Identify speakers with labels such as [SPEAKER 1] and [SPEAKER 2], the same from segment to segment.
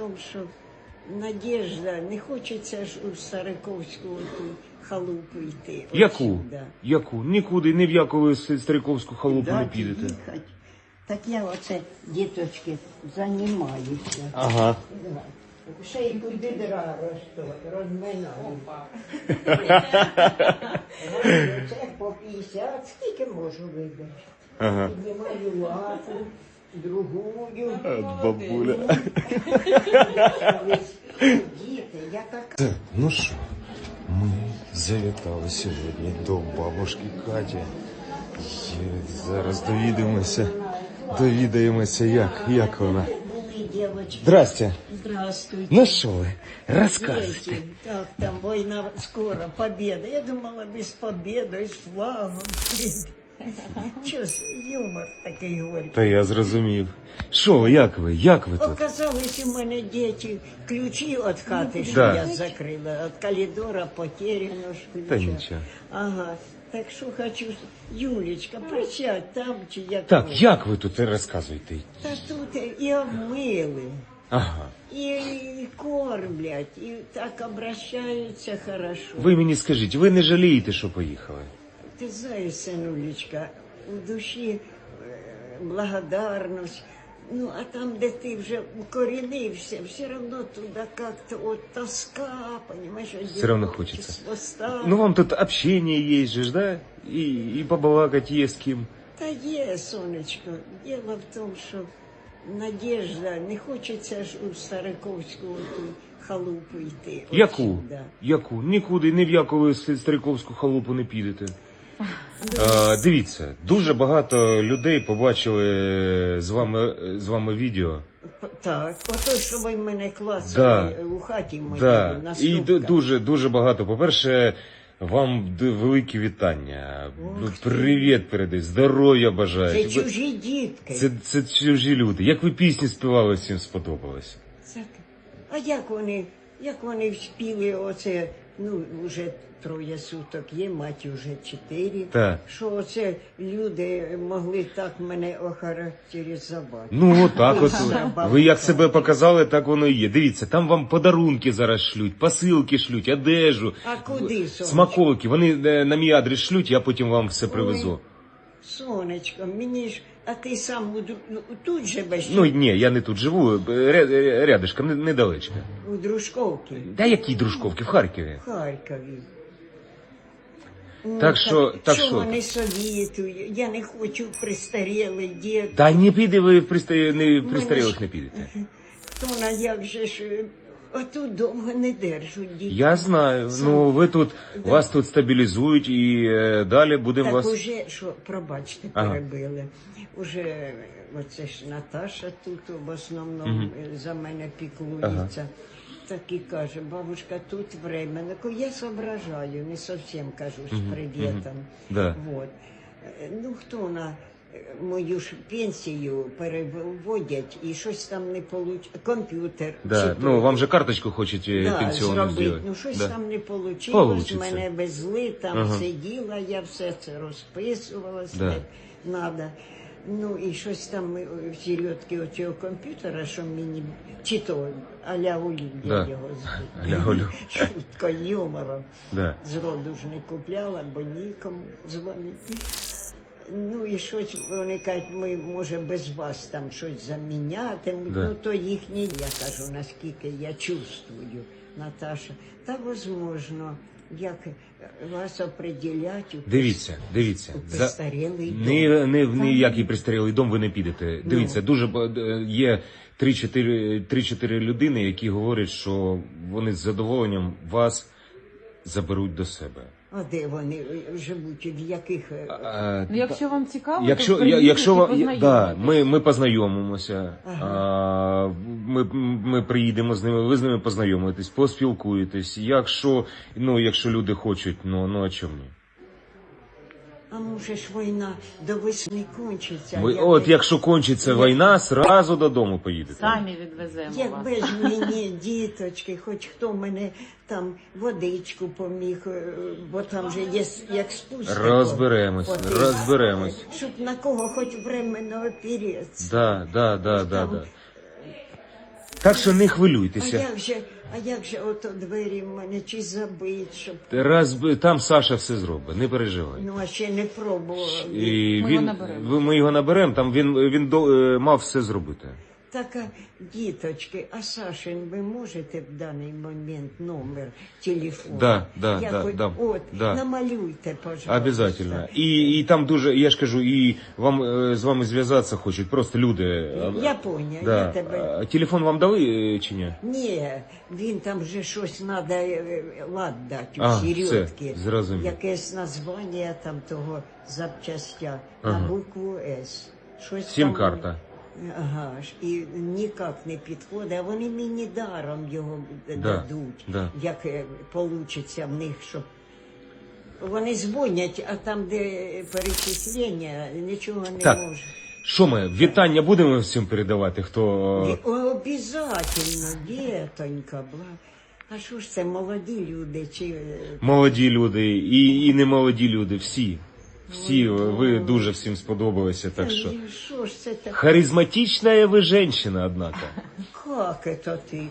[SPEAKER 1] тому, що Надежда, не хочеться ж у Стариковську ту халупу йти.
[SPEAKER 2] Яку?
[SPEAKER 1] Отсюда.
[SPEAKER 2] Яку? Нікуди, ні в яку Стариковську халупу не підете.
[SPEAKER 1] Їхать. Так я оце, діточки, займаюся.
[SPEAKER 2] Ага.
[SPEAKER 1] Ще й куди дра розминаю. Це по 50, скільки можу вибити.
[SPEAKER 2] Ага.
[SPEAKER 1] Піднімаю лапу, другую.
[SPEAKER 2] Бабуля.
[SPEAKER 1] Діти, я така.
[SPEAKER 2] Ну що, ми завітали сьогодні до бабушки Каті. І зараз довідаємося, як вона.
[SPEAKER 1] Були дівчатки.
[SPEAKER 2] Здрасте.
[SPEAKER 1] Здравствуйте.
[SPEAKER 2] Ну що ви, розказуйте.
[SPEAKER 1] Дети, так, там война скоро, победа. Я думала, без победы, с флагом. Чё, юмор такий горький.
[SPEAKER 2] Та я зрозумів. Що ви, як ви тут?
[SPEAKER 1] Оказалось, у мене діти ключі від хати, що
[SPEAKER 2] Да.
[SPEAKER 1] я закрила, від коридора потеряно ж ключа.
[SPEAKER 2] Та нічого.
[SPEAKER 1] Ага, так що хочу, Юлечка, присядь там чи як.
[SPEAKER 2] Так, як ви тут розказуєте?
[SPEAKER 1] Та тут і обмили.
[SPEAKER 2] Ага.
[SPEAKER 1] І кормлять, і так обращаються хорошо.
[SPEAKER 2] Ви мені скажіть, ви не жалієте, що поїхали?
[SPEAKER 1] Ти знаєш, синулечка, у душі благодарність. Ну, а там, де ти вже укорінився, все одно туди як-то от тоска, понимаешь?
[SPEAKER 2] Все равно хочеться.
[SPEAKER 1] Хвоста.
[SPEAKER 2] Ну вам тут общение есть же, да? И побалакать есть с кем.
[SPEAKER 1] Та є, сонечко. Діло в тому, що Надежда, не хочеться ж у Стариковську ту халупу йти.
[SPEAKER 2] Яку?
[SPEAKER 1] Отсюда.
[SPEAKER 2] Яку? Нікуди, ні в яку Стариковську халупу не підете. Дивіться, дуже багато людей побачили з вами відео.
[SPEAKER 1] Так, ото, що ви мене клацали
[SPEAKER 2] Да.
[SPEAKER 1] у хаті моїй,
[SPEAKER 2] Да.
[SPEAKER 1] на
[SPEAKER 2] І
[SPEAKER 1] ступках.
[SPEAKER 2] дуже багато. По-перше, вам великі вітання. Привіт передай, здоров'я бажаю.
[SPEAKER 1] Це чужі дітки.
[SPEAKER 2] Це чужі люди. Як ви пісні співали, всім сподобалось.
[SPEAKER 1] А як вони вспіли оце, ну, вже 3 суток є, мать уже 4.
[SPEAKER 2] Так.
[SPEAKER 1] Що оце люди могли так мене охарактеризувати.
[SPEAKER 2] Ну, отак от.
[SPEAKER 1] Забавно.
[SPEAKER 2] Ви як себе показали, так воно і є. Дивіться, там вам подарунки зараз шлють, посилки шлють, одежу,
[SPEAKER 1] А куди, сонечко?
[SPEAKER 2] смаколики. Вони на мій адрес шлють, я потім вам все привезу.
[SPEAKER 1] Сонечко, мені ж, а ти сам тут живеш?
[SPEAKER 2] Ну, ні, я не тут живу, рядышком, недалечко.
[SPEAKER 1] У Дружковці,
[SPEAKER 2] Да які Дружковки, в Харкові.
[SPEAKER 1] в Харкові. Ну,
[SPEAKER 2] Так що-
[SPEAKER 1] що вони совєтують? Я не хочу престарілий дід.
[SPEAKER 2] Та не піде ви в пристарілих не підете.
[SPEAKER 1] То на як же ж, отут довго не держуть дітей.
[SPEAKER 2] Я знаю, ну ви тут, вас тут стабілізують і далі будемо
[SPEAKER 1] Так
[SPEAKER 2] вас...
[SPEAKER 1] уже, що, пробачте,
[SPEAKER 2] Ага.
[SPEAKER 1] перебили. Уже, оце ж Наташа тут в основному за мене піклується. Так і каже, бабушка, тут временно. Я соображаю, не зовсім кажу з привітом.
[SPEAKER 2] Да.
[SPEAKER 1] Вот. Ну, хто на мою ж пенсію переводять і щось там не получить. Комп'ютер.
[SPEAKER 2] Да.
[SPEAKER 1] чи
[SPEAKER 2] Ну,
[SPEAKER 1] то-
[SPEAKER 2] вам же карточку хочуть пенсіонну
[SPEAKER 1] зробити.
[SPEAKER 2] зробити.
[SPEAKER 1] Ну, щось
[SPEAKER 2] Да.
[SPEAKER 1] там не вийшло,
[SPEAKER 2] Получиться.
[SPEAKER 1] мене везли, там сиділа, я все це розписувала,
[SPEAKER 2] Да.
[SPEAKER 1] надо. Ну, і щось там в середки оцього комп'ютера, що мені, чи то а-ля Олю, я
[SPEAKER 2] Да.
[SPEAKER 1] його звуть.
[SPEAKER 2] А-ля Олю.
[SPEAKER 1] Шутко, юмором.
[SPEAKER 2] Да.
[SPEAKER 1] Зроду ж не купляла, бо нікому дзвонити. Ну і щось, вони кажуть, ми, може, без вас там щось заміняти.
[SPEAKER 2] Да.
[SPEAKER 1] Ну, то їхні, я кажу, наскільки я чувствую, Наташа. Та, возможно, як вас определять у
[SPEAKER 2] Дивіться.
[SPEAKER 1] у престарілий дом.
[SPEAKER 2] Не в ніякий пристарілий дом ви не підете. Дивіться, дуже є 3-4 людини, які говорять, що вони з задоволенням вас заберуть до себе.
[SPEAKER 1] А де вони живуть, в яких...
[SPEAKER 3] Ну, якщо вам цікаво,
[SPEAKER 2] Якщо,
[SPEAKER 3] то приїдете
[SPEAKER 2] якщо
[SPEAKER 3] і
[SPEAKER 2] да,
[SPEAKER 3] познайомитесь.
[SPEAKER 2] ми познайомимося, ми приїдемо з ними, ви з ними познайомитесь, поспілкуєтесь. Якщо люди хочуть, ну а чому ні?
[SPEAKER 1] А може ж війна до весни кончиться.
[SPEAKER 2] От якщо кончиться війна, зразу додому поїдете.
[SPEAKER 3] Самі відвеземо вас.
[SPEAKER 1] Якби ж мені, діточки, хоч хто мене там водичку поміг, бо там же є як спустя.
[SPEAKER 2] Розберемось.
[SPEAKER 1] Щоб на кого хоч временно опереться.
[SPEAKER 2] Да. Так що не
[SPEAKER 1] А
[SPEAKER 2] хвилюйтеся.
[SPEAKER 1] як же ото двері в мене чи забить, щоб...
[SPEAKER 2] Там Саша все зробить, не переживай.
[SPEAKER 1] Ну, а ще не пробував.
[SPEAKER 2] І
[SPEAKER 3] Ми його наберемо.
[SPEAKER 2] ми його наберемо, там він мав все зробити.
[SPEAKER 1] Так, діточки, а Сашин, ви можете в даний момент номер телефону?
[SPEAKER 2] Да.
[SPEAKER 1] От,
[SPEAKER 2] Да.
[SPEAKER 1] намалюйте, пожалуйста.
[SPEAKER 2] Обязательно. І там дуже, я ж кажу, і вам з вами зв'язатися хочуть, просто люди.
[SPEAKER 1] Я поняв,
[SPEAKER 2] Да.
[SPEAKER 1] я тебе...
[SPEAKER 2] А телефон вам дали чи ні?
[SPEAKER 1] Ні, він там вже щось треба лад дати у
[SPEAKER 2] А,
[SPEAKER 1] Середки.
[SPEAKER 2] все, зрозумів.
[SPEAKER 1] Якесь названня там того запчастя
[SPEAKER 2] Ага.
[SPEAKER 1] на букву С. Щось там-
[SPEAKER 2] Сім-карта.
[SPEAKER 1] Ага ж, і ніяк не підходить, а вони мені даром його дадуть,
[SPEAKER 2] да.
[SPEAKER 1] як получиться в них, щоб вони дзвонять, а там, де перечислення, нічого не
[SPEAKER 2] Так.
[SPEAKER 1] може.
[SPEAKER 2] Що ми, вітання будемо всім передавати, хто...
[SPEAKER 1] Обязательно, дітонька, а що ж це, молоді люди, чи...
[SPEAKER 2] Молоді люди і не молоді люди, всі. Всі, ви дуже всім сподобалися, так що...
[SPEAKER 1] Що ж це таке?
[SPEAKER 2] Харизматичная вы женщина, однако.
[SPEAKER 1] Как это ты?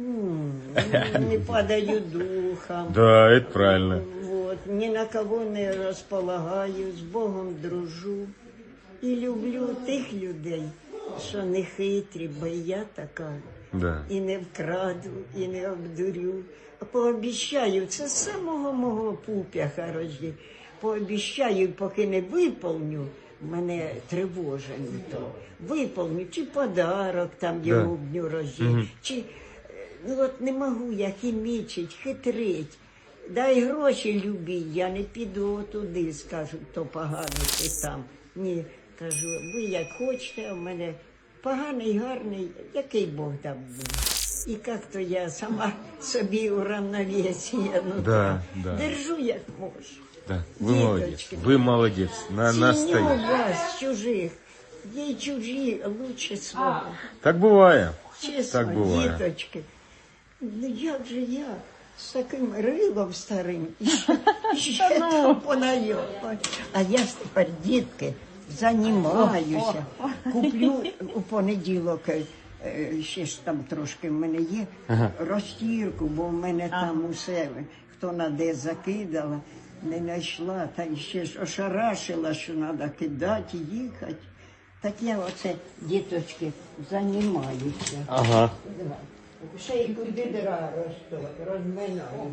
[SPEAKER 1] Не падаю духом.
[SPEAKER 2] Да, это правильно.
[SPEAKER 1] Вот, ни на кого не розполагаю, з Богом дружу. І люблю тих людей, що не хитрі, бо я така.
[SPEAKER 2] Да.
[SPEAKER 1] І не вкраду, і не обдурю. А пообіщаю, це з самого мого пуп'яха рожді. Пообіщаю, поки не виповню, мене тривожить то. Виповню, чи подарок там йому в дню рождення, чи... Ну от не можу я хімічить, хитрить. Дай гроші любі, я не піду туди, скажуть, то поганий ти там. Ні, кажу, ви як хочете, а в мене поганий, гарний, який Бог дав мені. І як то я сама собі у равновесії, ну
[SPEAKER 2] Да,
[SPEAKER 1] так,
[SPEAKER 2] да.
[SPEAKER 1] держу як можу.
[SPEAKER 2] Да. Вы молодец.
[SPEAKER 1] Діточки.
[SPEAKER 2] Вы молодец.
[SPEAKER 1] Ціню
[SPEAKER 2] Настоящий.
[SPEAKER 1] вас, чужих, є й чужі, лучше свого.
[SPEAKER 2] Так буває.
[SPEAKER 1] Чесно,
[SPEAKER 2] Так буває.
[SPEAKER 1] діточки, ну як же я з таким рилом старим і ще там понайомаю. А я ж тепер, дітки, займаюся. Куплю у понеділок, ще ж там трошки в мене є, розтірку, бо в мене там усе, хто на де закидала, не знайшла, та ще ж ошарашила, що треба кидати, їхати. Так я оце, діточки, займаюся.
[SPEAKER 2] Ага.
[SPEAKER 1] Ще й куди дира розминаю.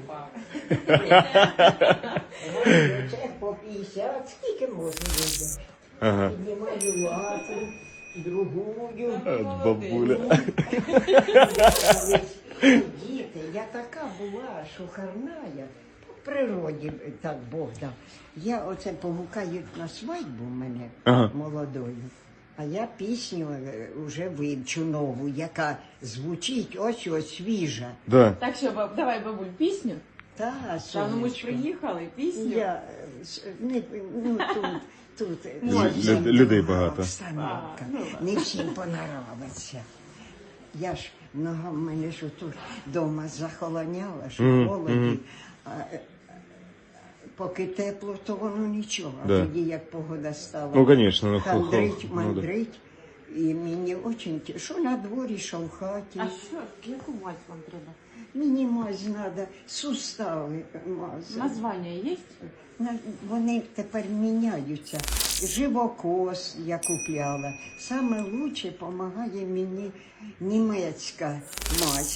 [SPEAKER 1] Це по 50, скільки можна буде.
[SPEAKER 2] Ага.
[SPEAKER 1] Піднімаю лапу, другую.
[SPEAKER 2] Бабуля.
[SPEAKER 1] Діти, я така була, що харная. По природі так Бог дав. Я оце погукають на свадьбу мене молодою. А я пісню вже вивчу нову, яка звучить ось свіжа.
[SPEAKER 2] Да.
[SPEAKER 3] Так що, давай, бабуль, пісню.
[SPEAKER 1] Та,
[SPEAKER 3] Та, ну ми ж
[SPEAKER 1] сонечко.
[SPEAKER 3] приїхали, пісню.
[SPEAKER 1] Я, не, ну, тут
[SPEAKER 2] Людей багато.
[SPEAKER 1] обстановка. Не всім понравиться. Я ж нога в мене ж тут вдома захолоняла, що холоді. А поки тепло, то воно нічого. А
[SPEAKER 2] Да.
[SPEAKER 1] тоді як погода стала.
[SPEAKER 2] Ну, конечно,
[SPEAKER 1] Хандрить,
[SPEAKER 2] ну, да.
[SPEAKER 1] мандрить. І мені дуже, що на дворі, що в хаті.
[SPEAKER 3] А що, яку мать вам треба?
[SPEAKER 1] Мені мазь треба, сустави мазати.
[SPEAKER 3] Названня є?
[SPEAKER 1] Вони тепер міняються. Живокос я купляла. Саме лучше допомагає мені німецька мазь.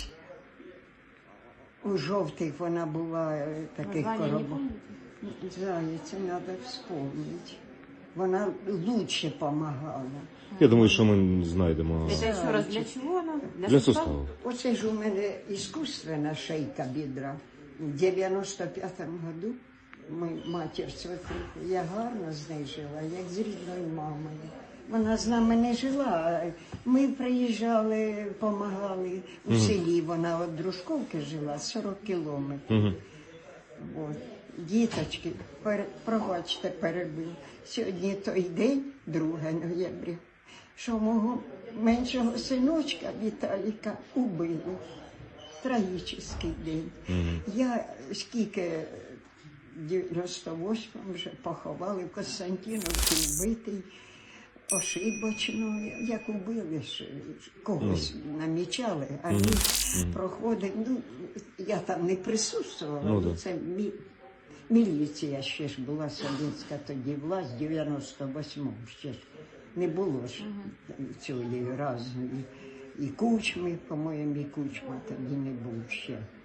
[SPEAKER 1] У жовтих вона була таких
[SPEAKER 3] Названня не
[SPEAKER 1] коробок.
[SPEAKER 3] пам'ятаєте?
[SPEAKER 1] Зайця, треба вспомнити. Вона лучше допомагала.
[SPEAKER 2] Я думаю, що ми знайдемо.
[SPEAKER 3] Це ще раз для чого вона?
[SPEAKER 2] Для суставу.
[SPEAKER 1] Оце ж у мене іскусственна шийка бідра. У 95-му году матір свекруху, я гарно з нею жила, як з рідною мамою. Вона з нами не жила. Ми приїжджали, допомагали у селі. Вона від Дружковки жила 40 кілометрів. От. Діточки, пробачте, перебив. Сьогодні той день, 2 ноября, що мого меншого синочка Віталіка убили. Трагічний день. Я скільки в 98-му вже поховали в Константиновці вбитий. ошибочно, як убили, когось намічали, а він проходив. Ну, я там не присутствувала,
[SPEAKER 2] Ну, да.
[SPEAKER 1] це міліція ще ж була совєтська тоді власть, в 98-му ще ж не було ж цієї разної. І Кучми, по-моєму, і Кучма тоді не був ще.